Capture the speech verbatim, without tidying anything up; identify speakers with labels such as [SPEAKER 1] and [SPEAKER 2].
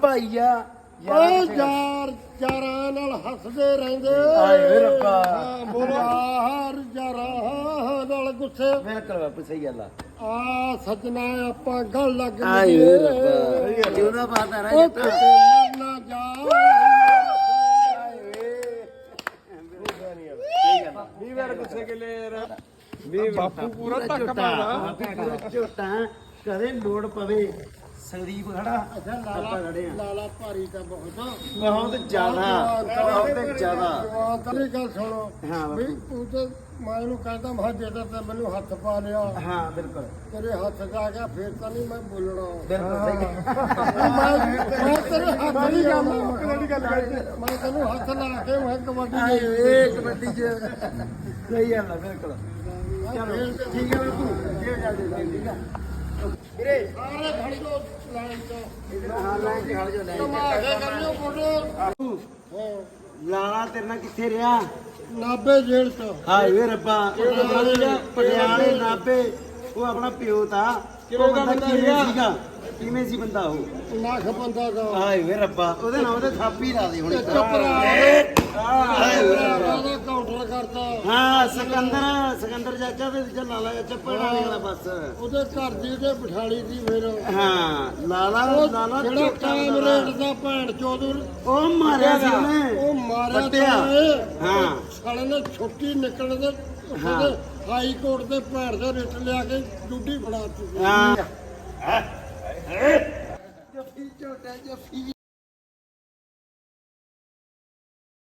[SPEAKER 1] ਭਾਈ ਆ
[SPEAKER 2] ਓ ਯਾਰ ਯਾਰਾਂ ਨਾਲ ਹੱਸਦੇ ਰਹਿੰਦੇ
[SPEAKER 1] ਆਏ ਵੇ ਰੱਬਾ।
[SPEAKER 2] ਹਾਂ, ਬੋਲੋ ਯਾਰ ਯਾਰਾਂ ਨਾਲ ਗੁੱਸੇ
[SPEAKER 1] ਬਿਲਕੁਲ ਬਾਪੂ ਸਹੀ ਗੱਲ ਆ
[SPEAKER 2] ਆ ਸੱਜਣਾ ਆਪਾਂ ਗੱਲ ਲੱਗ
[SPEAKER 1] ਆਏ ਵੇ ਰੱਬਾ ਜਿਉਣਾ ਬਾਤ ਆ
[SPEAKER 2] ਓ
[SPEAKER 1] ਰਿਹਾ
[SPEAKER 2] ਕਿਤੇ ਮਰ ਨਾ ਜਾ
[SPEAKER 3] ਵੀਹ ਵਾਰ ਗੁੱਸੇ ਗਿਲੇ ਯਾਰ ਵੀ ਬਾਪੂ ਪੂਰਾ ਧੱਕ ਮਾਰਦਾ
[SPEAKER 1] ਝੋਟਾ ਕਦੇ ਲੋੜ ਪਵੇ ਸੰਦੀਪ ਖੜਾ
[SPEAKER 2] ਅੱਛਾ
[SPEAKER 1] ਆਪਾਂ
[SPEAKER 2] ਲਾਲਾ
[SPEAKER 1] ਖੜੇ ਆ
[SPEAKER 2] ਲਾਲਾ ਭਾਰੀ ਤਾਂ ਬਹੁਤ ਆ
[SPEAKER 1] ਬਹੁਤ ਜ਼ਿਆਦਾ ਬਹੁਤ ਜ਼ਿਆਦਾ
[SPEAKER 2] ਤੇਰੀ ਗੱਲ ਸੁਣੋ
[SPEAKER 1] ਹਾਂ
[SPEAKER 2] ਵੀ
[SPEAKER 1] ਬਾਪੂ
[SPEAKER 2] ਤੂੰ ਤੇ ਮੈਂ ਇਹਨੂੰ ਕਹਿੰਦਾ ਮੈਂ ਜੇ ਤਾਂ ਮੈਨੂੰ ਹੱਥ ਪਾ ਲਿਆ
[SPEAKER 1] ਹਾਂ ਬਿਲਕੁਲ
[SPEAKER 2] ਤੇਰੇ ਹੱਥ ਜਾ ਗਿਆ ਫੇਰ ਤਾਂ ਨਹੀਂ ਮੈਂ ਬੋਲਣਾ
[SPEAKER 1] ਬਿਲਕੁਲ ਸਹੀ
[SPEAKER 2] ਮੈਂ ਮੈਂ ਤੇਰੇ ਹੱਥ ਨਹੀਂ ਗੱਲ ਮੈਂ ਤੈਨੂੰ ਹੱਥ ਲਾ ਕੇ ਮੈਂ ਕਬੱਡੀ
[SPEAKER 1] ਆਏ ਵੇ ਕਬੱਡੀ ਚ ਸਹੀ ਗੱਲ ਆ ਬਿਲਕੁਲ
[SPEAKER 2] ਚਲੋ
[SPEAKER 1] ਠੀਕ ਹੈ ਬਾਪੂ ਜੇ ਜਾ ਦੇ ਠੀਕ ਆ ਵੀਰੇ
[SPEAKER 2] ਸਾਰੇ ਖੜੀ ਲੋ ਲਾਈਨ ਚ
[SPEAKER 1] ਹਾਂ ਲਾਈਨ ਤੇ ਖੜ ਜਾ ਲਾਈਨ
[SPEAKER 2] ਤਮਾਸ਼ੇ ਕਰਿਓ ਫੋਟੋ ਹਾਂ
[SPEAKER 1] ਲਾਲਾ ਤੇਰੇ ਨਾਲ ਕਿੱਥੇ ਰਿਹਾ
[SPEAKER 2] ਨਾਬੇ ਜੇਲ੍ਹ ਚ
[SPEAKER 1] ਹਾਏ ਵੇ ਰੱਬਾ ਪਟਿਆਲੇ ਪਟਿਆਲੇ ਨਾਭੇ ਉਹ ਆਪਣਾ ਪਿਓ ਤਾ ਕਿਵੇਂ ਦਾ ਬੰਦਾ ਸੀਗਾ ਕਿਵੇਂ ਸੀ ਬੰਦਾ ਉਹ
[SPEAKER 2] ਲੱਖ ਬੰਦਾ ਦਾ
[SPEAKER 1] ਹਾਏ ਵੇ ਰੱਬਾ ਉਹਦੇ ਨਾਮ ਤੇ ਥਾਪੀ ਲਾ ਦੇ ਹੁਣ
[SPEAKER 2] ਚੁੱਪ ਰਹਾ ਉਹਦਾ ਕਾਊਂਟਰ ਕਰਦਾ
[SPEAKER 1] ਹਾਂ ਸਿਕੰਦਰ ਸਿਕੰਦਰ ਚਾਚਾ ਤੇ ਦੂਜਾ ਲਾਲਾ ਚਾਚਾ ਪੜਾ ਵਾਲਾ ਬਸ
[SPEAKER 2] ਉਹਦੇ ਘਰ ਦੀ ਤੇ ਬਿਠਾਲੀ ਦੀ ਫਿਰ
[SPEAKER 1] ਹਾਂ ਲਾਲਾ ਲਾਲਾ
[SPEAKER 2] ਜਿਹੜਾ ਕਾਮ ਰੇਟ ਦਾ ਭੈਣ ਚੋਦਰ
[SPEAKER 1] ਉਹ ਮਾਰਿਆ ਸੀ ਉਹਨੇ
[SPEAKER 2] ਉਹ ਮਾਰਿਆ
[SPEAKER 1] ਵੱਟਿਆ।
[SPEAKER 2] ਤਾਂ ਇਹ।
[SPEAKER 1] ਹਾਂ
[SPEAKER 2] ਸਾਲੇ ਨੇ ਛੁੱਟੀ ਨਿਕਲਣ ਦੇ ਉਹਦੇ ਹਾਈ ਕੋਰਟ ਦੇ ਭੈਣ ਦੇ ਰਿਟ ਲਿਆ ਕੇ ਡਿਊਟੀ ਫੜਾ ਦਿੱਤੀ
[SPEAKER 1] ਹਾਂ ਜੱਫੀ ਝੋਟਾ ਜੱਫੀ